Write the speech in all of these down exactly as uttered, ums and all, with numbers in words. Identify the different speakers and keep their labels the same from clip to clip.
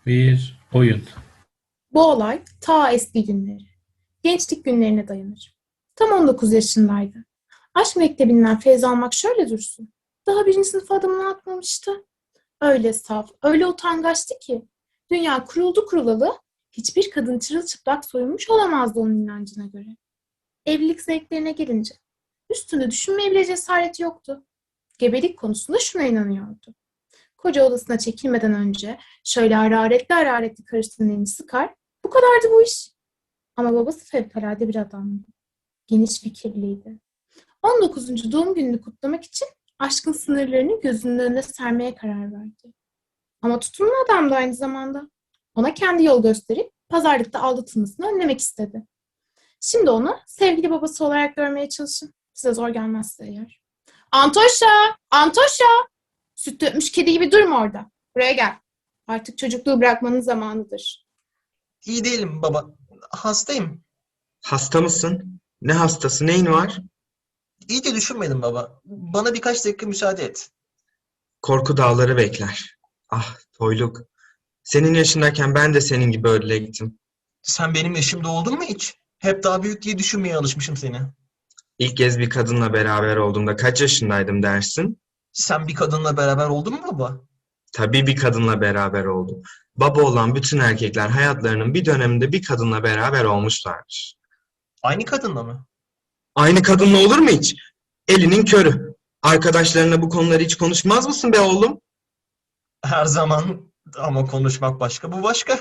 Speaker 1: Bir oyun.
Speaker 2: Bu olay ta eski günleri, gençlik günlerine dayanır. Tam on dokuz yaşındaydı. Aşk mektebinden feyz almak şöyle dursun. Daha birinci sınıfa adımını atmamıştı. Öyle saf, öyle utangaçtı ki. Dünya kuruldu kurulalı, hiçbir kadın çırılçıplak soyunmuş olamazdı onun inancına göre. Evlilik zevklerine gelince, üstünde düşünmeye bile cesareti yoktu. Gebelik konusunda şuna inanıyordu. Koca odasına çekilmeden önce şöyle hararetli hararetli karısının elini sıkar, bu kadardı bu iş. Ama babası fevkalade bir adamdı. Geniş fikirliydi. on dokuzuncu doğum gününü kutlamak için aşkın sınırlarını gözünün önüne sermeye karar verdi. Ama tutumlu adam da aynı zamanda. Ona kendi yol gösterip pazarlıkta aldatılmasını önlemek istedi. Şimdi onu sevgili babası olarak görmeye çalışın. Size zor gelmezse eğer. Antoşa! Antoşa! Süt dökmüş kedi gibi durma orada. Buraya gel. Artık çocukluğu bırakmanın zamanıdır.
Speaker 3: İyi değilim baba. Hastayım.
Speaker 4: Hasta mısın? Ne hastası, neyin var?
Speaker 3: İyice düşünmedim baba. Bana birkaç dakika müsaade et.
Speaker 4: Korku dağları bekler. Ah, toyluk. Senin yaşındayken ben de senin gibi ölecektim.
Speaker 3: Sen benim yaşımda oldun mu hiç? Hep daha büyük diye düşünmeye alışmışım seni.
Speaker 4: İlk kez bir kadınla beraber olduğumda kaç yaşındaydım dersin?
Speaker 3: Sen bir kadınla beraber oldun mu baba?
Speaker 4: Tabii bir kadınla beraber oldum. Baba olan bütün erkekler hayatlarının bir döneminde bir kadınla beraber olmuşlardır.
Speaker 3: Aynı kadınla mı?
Speaker 4: Aynı kadınla olur mu hiç? Elinin körü. Arkadaşlarına bu konuları hiç konuşmaz mısın be oğlum?
Speaker 3: Her zaman ama konuşmak başka, bu başka.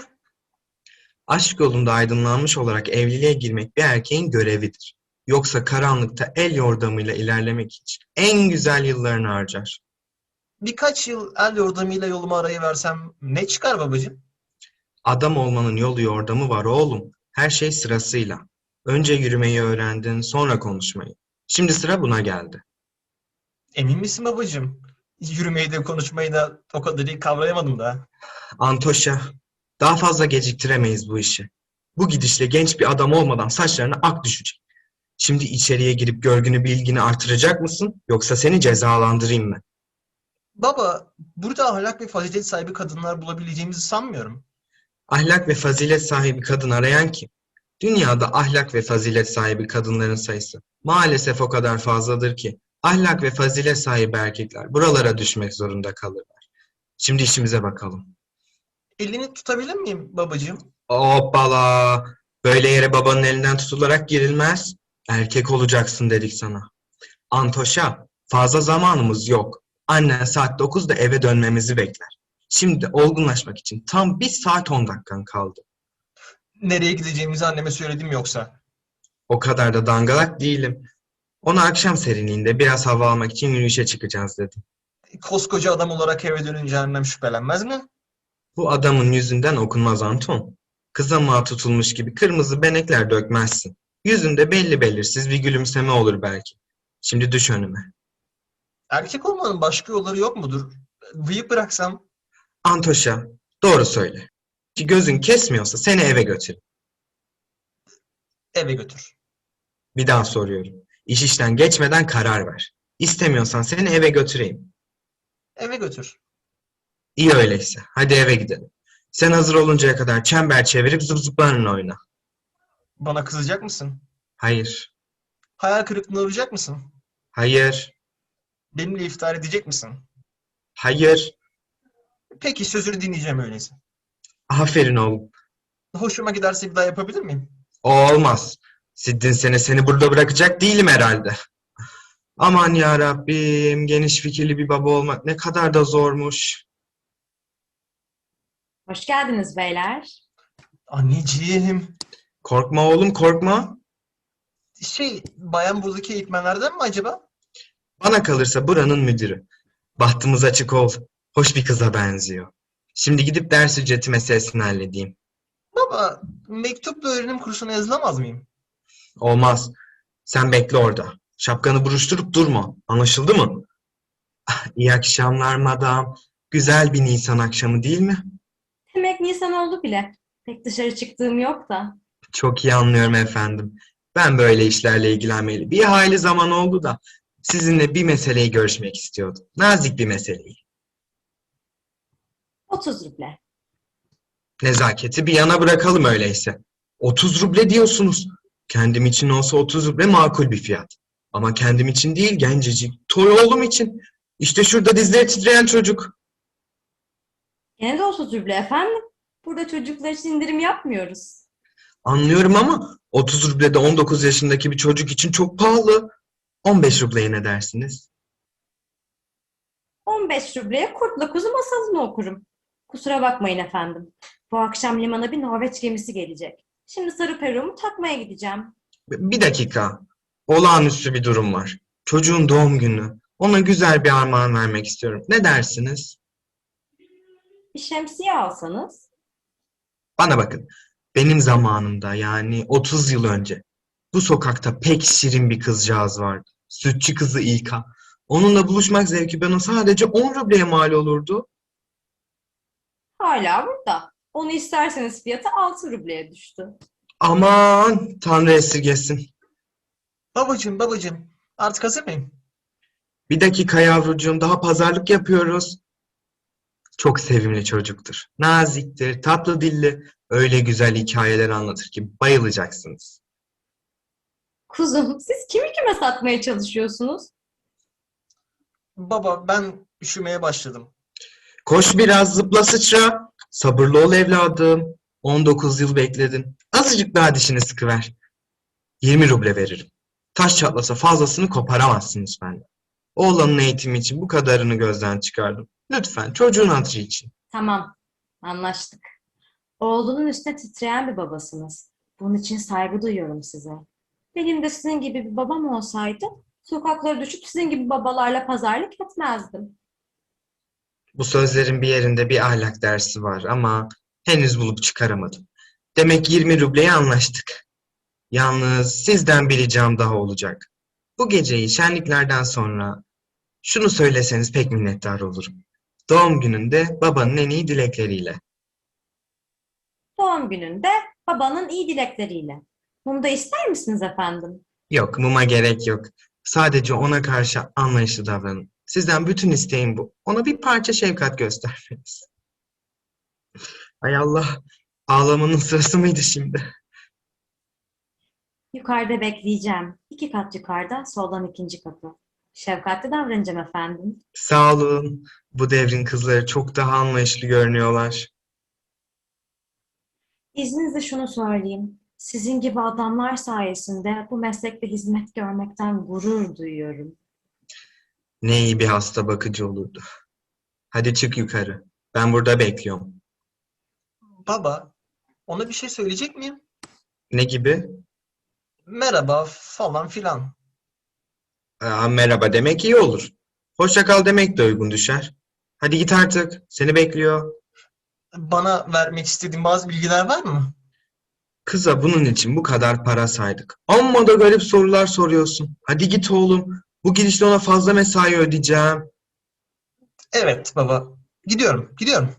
Speaker 4: Aşk yolunda aydınlanmış olarak evliliğe girmek bir erkeğin görevidir. Yoksa karanlıkta el yordamıyla ilerlemek için en güzel yıllarını harcar.
Speaker 3: Birkaç yıl el yordamıyla yolumu arayı versem ne çıkar babacığım?
Speaker 4: Adam olmanın yolu yordamı var oğlum. Her şey sırasıyla. Önce yürümeyi öğrendin, sonra konuşmayı. Şimdi sıra buna geldi.
Speaker 3: Emin misin babacığım? Yürümeyi de konuşmayı da o kadar iyi kavrayamadım da.
Speaker 4: Antoşa, daha fazla geciktiremeyiz bu işi. Bu gidişle genç bir adam olmadan saçlarına ak düşecek. Şimdi içeriye girip görgünü bilgini artıracak mısın, yoksa seni cezalandırayım mı?
Speaker 3: Baba, burada ahlak ve fazilet sahibi kadınlar bulabileceğimizi sanmıyorum.
Speaker 4: Ahlak ve fazilet sahibi kadın arayan kim? Dünyada ahlak ve fazilet sahibi kadınların sayısı maalesef o kadar fazladır ki ahlak ve fazilet sahibi erkekler buralara düşmek zorunda kalırlar. Şimdi işimize bakalım.
Speaker 3: Elini tutabilir miyim babacığım?
Speaker 4: Hoppala! Böyle yere babanın elinden tutularak girilmez. Erkek olacaksın dedik sana. Antoşa, fazla zamanımız yok. Annen saat dokuzda eve dönmemizi bekler. Şimdi olgunlaşmak için tam bir saat on dakikan kaldı.
Speaker 3: Nereye gideceğimizi anneme söyledim yoksa.
Speaker 4: O kadar da dangalak değilim. Ona akşam serinliğinde biraz hava almak için yürüyüşe çıkacağız dedim.
Speaker 3: Koskoca adam olarak eve dönünce annem şüphelenmez mi?
Speaker 4: Bu adamın yüzünden okunmaz Anton. Kızamağa tutulmuş gibi kırmızı benekler dökmezsin. Yüzünde belli belirsiz bir gülümseme olur belki. Şimdi düş önüme.
Speaker 3: Erkek olmanın başka yolları yok mudur? Bıyık bıraksam
Speaker 4: Antoşa, doğru söyle. Ki gözün kesmiyorsa seni eve götür.
Speaker 3: eve götür.
Speaker 4: Bir daha soruyorum. İş işten geçmeden karar ver. İstemiyorsan seni eve götüreyim.
Speaker 3: Eve götür.
Speaker 4: İyi öyleyse. Hadi eve gidelim. Sen hazır oluncaya kadar çember çevirip zıp zıplarla oyna.
Speaker 3: Bana kızacak mısın?
Speaker 4: Hayır.
Speaker 3: Hayal kırıklığına uğrayacak mısın?
Speaker 4: Hayır.
Speaker 3: Benimle iftihar edecek misin?
Speaker 4: Hayır.
Speaker 3: Peki sözünü dinleyeceğim öyleyse.
Speaker 4: Aferin oğlum.
Speaker 3: Hoşuma giderse bir daha yapabilir miyim?
Speaker 4: O olmaz. Siddin sene seni burada bırakacak değilim herhalde. Aman ya Rabbim, geniş fikirli bir baba olmak ne kadar da zormuş.
Speaker 5: Hoş geldiniz beyler.
Speaker 3: Anneciğim.
Speaker 4: Korkma oğlum, korkma.
Speaker 3: Şey, bayan buradaki eğitmenlerden mi acaba?
Speaker 4: Bana kalırsa buranın müdürü. Bahtımız açık ol. Hoş bir kıza benziyor. Şimdi gidip ders ücreti meselesini halledeyim.
Speaker 3: Baba, mektupla öğrenim kursuna yazılamaz mıyım?
Speaker 4: Olmaz. Sen bekle orada. Şapkanı buruşturup durma. Anlaşıldı mı? İyi akşamlar madam. Güzel bir Nisan akşamı değil mi?
Speaker 5: Demek Nisan oldu bile. Pek dışarı çıktığım yok da.
Speaker 4: Çok iyi anlıyorum efendim. Ben böyle işlerle ilgilenmeli bir hayli zaman oldu da sizinle bir meseleyi görüşmek istiyordum. Nazik bir meseleyi.
Speaker 5: otuz ruble.
Speaker 4: Nezaketi bir yana bırakalım öyleyse. otuz ruble diyorsunuz. Kendim için olsa otuz ruble makul bir fiyat. Ama kendim için değil, gencecik, toy oğlum için. İşte şurada dizleri titreyen çocuk.
Speaker 5: Gene de otuz ruble efendim. Burada çocuklar için indirim yapmıyoruz.
Speaker 4: Anlıyorum ama otuz ruble de on dokuz yaşındaki bir çocuk için çok pahalı. on beş rubleye ne dersiniz?
Speaker 5: on beş rubleye Kurtla Kuzu masalını okurum. Kusura bakmayın efendim. Bu akşam limana bir Norveç gemisi gelecek. Şimdi sarı peruğumu takmaya gideceğim.
Speaker 4: Bir dakika. Olağanüstü bir durum var. Çocuğun doğum günü. Ona güzel bir armağan vermek istiyorum. Ne dersiniz?
Speaker 5: Bir şemsiye alsanız.
Speaker 4: Bana bakın. Benim zamanımda yani otuz yıl önce bu sokakta pek şirin bir kızcağız vardı. Sütçü kızı İlka. Onunla buluşmak zevki bana sadece on rubleye mal olurdu.
Speaker 5: Hala burada. Onu isterseniz fiyatı altı rubleye düştü.
Speaker 4: Aman Tanrı esirgesin.
Speaker 3: Babacığım, babacığım. Artık hazır mıyım?
Speaker 4: Bir dakika yavrucuğum, daha pazarlık yapıyoruz. Çok sevimli çocuktur. Naziktir, tatlı dilli. Öyle güzel hikayeler anlatır ki bayılacaksınız.
Speaker 5: Kuzum, siz kimi kime satmaya çalışıyorsunuz?
Speaker 3: Baba, ben üşümeye başladım.
Speaker 4: Koş biraz, zıpla sıçra. Sabırlı ol evladım. on dokuz yıl bekledin. Azıcık daha dişini sıkıver. yirmi ruble veririm. Taş çatlasa fazlasını koparamazsınız benden. Oğlanın eğitimi için bu kadarını gözden çıkardım. Lütfen çocuğun hatırı için.
Speaker 5: Tamam, anlaştık. Oğlunun üstüne titreyen bir babasınız. Bunun için saygı duyuyorum size. Benim de sizin gibi bir babam olsaydı, sokaklara düşüp sizin gibi babalarla pazarlık etmezdim.
Speaker 4: Bu sözlerin bir yerinde bir ahlak dersi var ama henüz bulup çıkaramadım. Demek yirmi rubleye anlaştık. Yalnız sizden bir ricam daha olacak. Bu geceyi şenliklerden sonra şunu söyleseniz pek minnettar olurum. Doğum gününde babanın en iyi dilekleriyle.
Speaker 5: Doğum gününde babanın iyi dilekleriyle. Bunu da ister misiniz efendim?
Speaker 4: Yok, muma gerek yok. Sadece ona karşı anlayışlı davranın. Sizden bütün isteğim bu. Ona bir parça şefkat göstermeniz. Hay Allah, ağlamanın sırası mıydı şimdi?
Speaker 5: Yukarıda bekleyeceğim. İki kat yukarıda, soldan ikinci kapı. Şefkatli davranacağım efendim.
Speaker 4: Sağ olun. Bu devrin kızları çok daha anlayışlı görünüyorlar.
Speaker 5: İzninizle şunu söyleyeyim. Sizin gibi adamlar sayesinde bu meslekte hizmet görmekten gurur duyuyorum.
Speaker 4: Ne iyi bir hasta bakıcı olurdu. Hadi çık yukarı. Ben burada bekliyorum.
Speaker 3: Baba, ona bir şey söyleyecek miyim?
Speaker 4: Ne gibi?
Speaker 3: Merhaba falan filan.
Speaker 4: Aa, merhaba demek iyi olur. Hoşça kal demek de uygun düşer. Hadi git artık. Seni bekliyor.
Speaker 3: Bana vermek istediğin bazı bilgiler var mı?
Speaker 4: Kıza bunun için bu kadar para saydık. Amma da garip sorular soruyorsun. Hadi git oğlum. Bu gidişle ona fazla mesai ödeyeceğim.
Speaker 3: Evet baba. Gidiyorum, gidiyorum.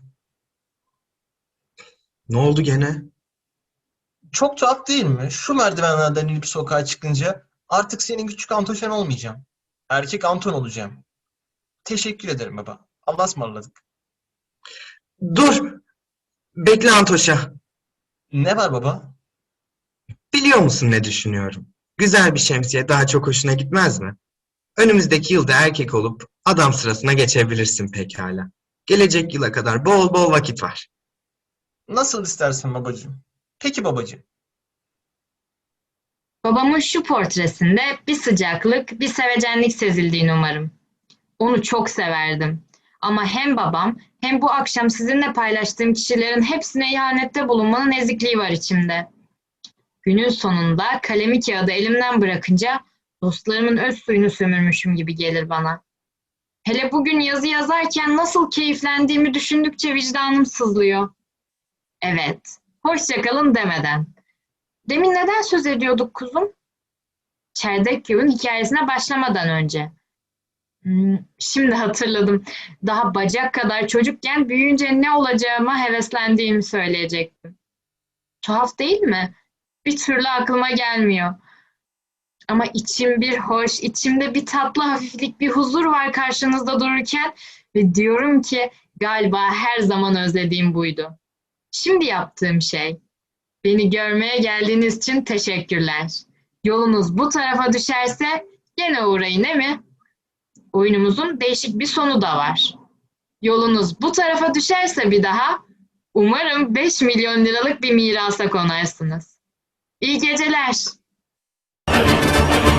Speaker 4: Ne oldu gene?
Speaker 3: Çok tuhaf değil mi? Şu merdivenlerden inip sokağa çıkınca artık senin küçük Antoşen olmayacağım. Erkek Anton olacağım. Teşekkür ederim baba. Allah'a ısmarladık.
Speaker 4: Dur! Bekle Antoşa.
Speaker 3: Ne var baba?
Speaker 4: Biliyor musun ne düşünüyorum? Güzel bir şemsiye daha çok hoşuna gitmez mi? Önümüzdeki yılda erkek olup adam sırasına geçebilirsin pekala. Gelecek yıla kadar bol bol vakit var.
Speaker 3: Nasıl istersen babacığım. Peki babacığım.
Speaker 1: Babamın şu portresinde bir sıcaklık, bir sevecenlik sezildiğini umarım. Onu çok severdim. Ama hem babam hem bu akşam sizinle paylaştığım kişilerin hepsine ihanette bulunmanın ezikliği var içimde. Günün sonunda kalemi kağıdı elimden bırakınca dostlarımın öz suyunu sömürmüşüm gibi gelir bana. Hele bugün yazı yazarken nasıl keyiflendiğimi düşündükçe vicdanım sızlıyor. Evet, hoşça kalın demeden. Demin neden söz ediyorduk kuzum? Çerdek Köy'ün hikayesine başlamadan önce. Hmm, şimdi hatırladım. Daha bacak kadar çocukken büyüyünce ne olacağıma heveslendiğimi söyleyecektim. Tuhaf değil mi? Bir türlü aklıma gelmiyor. Ama içim bir hoş, içimde bir tatlı hafiflik, bir huzur var karşınızda dururken ve diyorum ki galiba her zaman özlediğim buydu. Şimdi yaptığım şey. Beni görmeye geldiğiniz için teşekkürler. Yolunuz bu tarafa düşerse gene uğrayın, değil mi? Oyunumuzun değişik bir sonu da var. Yolunuz bu tarafa düşerse bir daha, umarım beş milyon liralık bir mirasa konarsınız. İyi geceler.